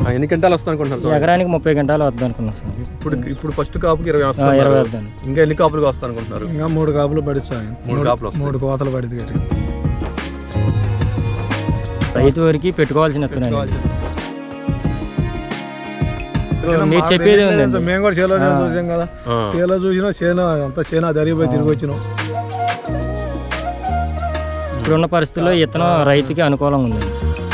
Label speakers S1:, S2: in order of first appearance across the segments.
S1: ఎన్ని గంటలు వస్తాను అనుకుంటున్నారు?
S2: ఎకరానికి 30 గంటలు వద్దాం అనుకున్నాం సార్.
S1: ఇప్పుడు ఫస్ట్ కాపుకి 20 వస్తాను. ఇంకా ఎన్ని కాపులు వస్తాను అనుకుంటున్నారు?
S3: ఇంకా 3 కాపులు పడి సార్.
S1: 3 కాపులు
S3: 3 కోతలు పడింది.
S2: రైతు వరకు పెట్టుకోవాల్సిన మీరు చెప్పేది ఉంది.
S3: మేము కూడా చేలో చూసాం కదా, చేలో చూసినా చేను అంతా చేను జరిగిపోయి తిరిగి వచ్చినాం.
S2: ఇప్పుడున్న పరిస్థితుల్లో ఇతను రైతుకి అనుకూలంగా ఉంది.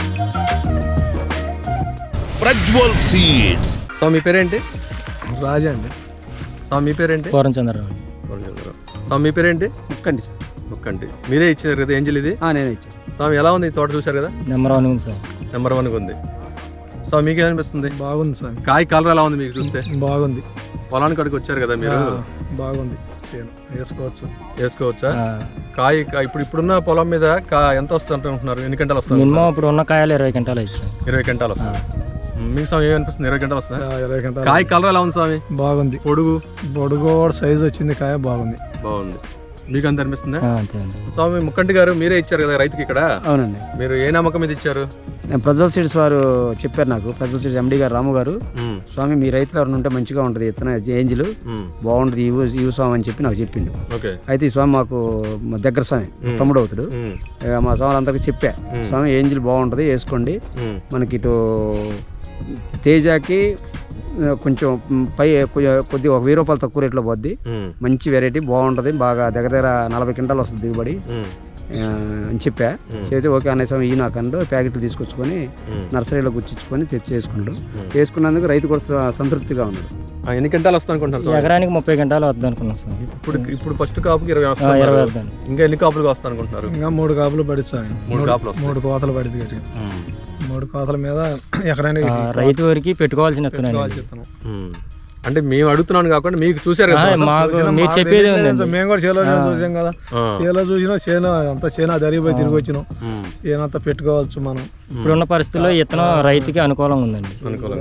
S4: ప్రజ్వల్ సీడ్స్.
S1: సో మీ పేరేంటి?
S3: రాజా అండి.
S1: సో మీ పేరేంటి?
S2: పూర్వం చంద్రరావు.
S1: సో మీ పేరేంటి?
S5: ముక్కండి సార్.
S1: ముక్కండి. మీరే ఇచ్చారు కదా ఏంజిల్ ఇది?
S5: నేనే ఇచ్చాను.
S1: స్వామి ఎలా ఉంది తోట చూసారు కదా?
S2: నెంబర్ 1 ఉంది సార్.
S1: నెంబర్ 1 ఉంది. సో మీకేమనిపిస్తుంది?
S3: బాగుంది సార్.
S1: కాయ కలర్ ఎలా ఉంది మీకు చూస్తే?
S3: బాగుంది.
S1: పొలానికి అడిగి వచ్చారు కదా మీరు?
S3: బాగుంది.
S1: వేసుకోవచ్చా? కాయ ఇప్పుడున్న పొలం మీద ఎంత వస్తుంది అంటున్నారు? ఎన్ని గంటలు వస్తుంది?
S2: మినిమం ఇప్పుడు ఉన్న కాయలు 20 గంటలు ఇచ్చాయి.
S1: 20 గంటలు వస్తుంది. మీకు స్వామి ఏమనిపిస్తుంది? 20 గంటలు వస్తుంది.
S3: 20 గంటలు.
S1: కాయ కలర్ ఎలా ఉంది స్వామి?
S3: బాగుంది. పొడుగు సైజు వచ్చింది. కాయ బాగుంది.
S1: మీకు అంత అనిపిస్తుందా? స్వామి ముక్కంటి గారు మీరే ఇచ్చారు కదా రైతుకి ఇక్కడ?
S5: అవునండి.
S1: మీరు ఏ నమ్మకం మీద ఇచ్చారు?
S5: నేను ప్రజ్వల్ సీడ్స్ వారు చెప్పారు నాకు. ప్రజ్వల్ సీడ్స్ ఎండి గారు రాము గారు, స్వామి మీ రైతులు ఎవరైనా ఉంటే మంచిగా ఉంటుంది, ఇతను ఏంజిల్ బాగుంటుంది ఇవి స్వామి అని చెప్పి నాకు చెప్పిండు. అయితే ఈ స్వామి మాకు దగ్గర స్వామి, తమ్ముడు అవుతాడు. మా స్వామి అందరికి చెప్పా, స్వామి ఏంజిల్ బాగుంటుంది వేసుకోండి, మనకి ఇటు తేజాకి కొంచెం కొద్దిగా 1000 రూపాయలు తక్కువ రేట్లో పోద్ది, మంచి వెరైటీ బాగుంటుంది, బాగా దగ్గర 40 క్వింటాలు వస్తుంది దిగుబడి అని చెప్పా. చెప్తే ఓకే అనే సమయం ఈ నాకండు ప్యాకెట్లు తీసుకొచ్చుకొని నర్సరీలో గుచ్చించుకొని చేసుకుంటాం. చేసుకున్నందుకు రైతు కూడా సంతృప్తిగా ఉన్నాడు.
S1: ఎన్ని గంటలు వస్తాను అనుకుంటున్నారు?
S2: ఎకరానికి 30 గంటలు వద్దాం అనుకున్నాం సార్.
S1: ఇప్పుడు ఫస్ట్ కాపుకి 20 వస్తాను. ఇంకా ఎన్ని కాపులు వస్తాను అనుకుంటున్నారు?
S3: ఇంకా 3 కాపులు పడి సార్.
S1: 3
S3: కోతలు పడింది. 3 కోతల మీద ఎకరానికి
S2: రైతు వరకు పెట్టుకోవాల్సిన
S1: అంటే మేము అడుగుతున్నాను కాకుండా మీకు చూసారు కదా,
S2: మీరు చెప్పేది ఉంది.
S3: మేము కూడా చేలో చూసాం కదా, చేలో చూసినా చేను అంతా చేను జరిగిపోయి తిరిగి వచ్చినాం. చేను అంతా పెట్టుకోవచ్చు మనం.
S2: ఇప్పుడున్న పరిస్థితుల్లో ఇతను రైతుకి అనుకూలంగా ఉందండి.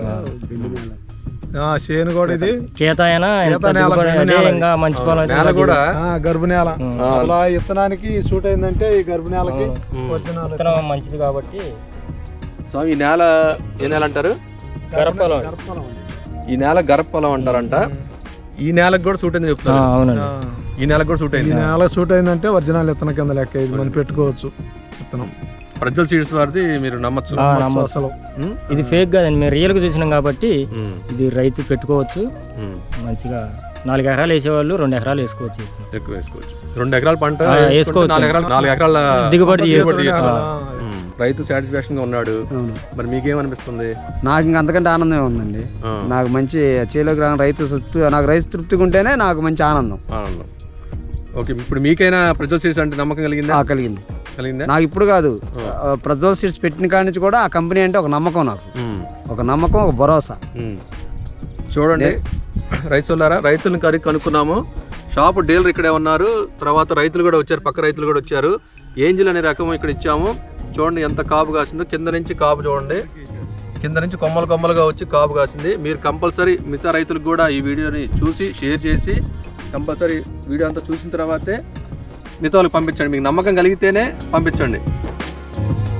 S3: చేను కూడా ఇది
S2: కేత మంచి పొలం
S1: కూడా
S3: గర్భ నేల. అలా ఇత్తనానికి సూట్ అయిందంటే ఈ గర్భ నేలకి
S2: మంచిది కాబట్టి.
S1: సో ఈ నేల ఏ నేల అంటారు?
S2: గర్భపొలం.
S1: ఈ నేల గర్భపొలం అంటారంట. ఈ నేలకు కూడా సూట్ అయింది చెప్తారు. ఈ నేలకు కూడా సూట్ అయింది.
S3: ఈ నేల సూట్ అయిందంటే ఒరిజినల్ ఇత్తనం కింద లెక్క ఇది మనం పెట్టుకోవచ్చు. ఇత్తనం
S1: ప్రజ్వల్ సీడ్స్ వారిది మీరు నమ్మచ్చు.
S3: అసలు
S2: ఇది ఫేక్ కాదండి, మేము రియల్ గా చూసినాం కాబట్టి ఇది రైతు పెట్టుకోవచ్చు. మంచిగా 4 ఎకరాలు వేసేవాళ్ళు 2 ఎకరాలు వేసుకోవచ్చు.
S1: ఎక్కువ వేసుకోవచ్చు. 2 ఎకరాల పంట
S2: వేసుకోవచ్చు.
S1: 4 ఎకరాల
S2: దిగుబడి.
S1: రైతు సాటిస్ఫాక్షన్ గా ఉన్నాడు. మరి మీకేమనిపిస్తుంది?
S5: నాకు ఇంకా అంతకంటే ఆనందమే ఉందండి. నాకు మంచి చేలోకి రాని రైతు తృప్తిగా ఉంటేనే నాకు మంచి ఆనందం.
S1: ఓకే, ఇప్పుడు మీకైనా ప్రజ్వల్ సీడ్స్ అంటే నమ్మకం కలిగిందా? కలిగిందా?
S5: నాకు ఇప్పుడు కాదు, ప్రజ్వల్ సీడ్స్ పెట్టిన కాడి నుంచి కూడా ఆ కంపెనీ అంటే ఒక నమ్మకం, నాకు ఒక నమ్మకం, ఒక భరోసా.
S1: చూడండి రైతులారా, రైతులను కనుక్కున్నాము. షాపు డీలర్ ఇక్కడే ఉన్నారు, తర్వాత రైతులు కూడా వచ్చారు, పక్క రైతులు కూడా వచ్చారు. ఏంజిల్ అనే రకం ఇక్కడ ఇచ్చాము. చూడండి ఎంత కాపు కాసిందో. కింద నుంచి కాపు చూడండి, కింద నుంచి కొమ్మలుగా వచ్చి కాపు కాసింది. మీరు కంపల్సరీ మిగతా రైతులకు కూడా ఈ వీడియోని చూసి షేర్ చేసి కంపల్సరీ వీడియో అంతా చూసిన తర్వాతే మిగతా వాళ్ళకి పంపించండి. మీకు నమ్మకం కలిగితేనే పంపించండి.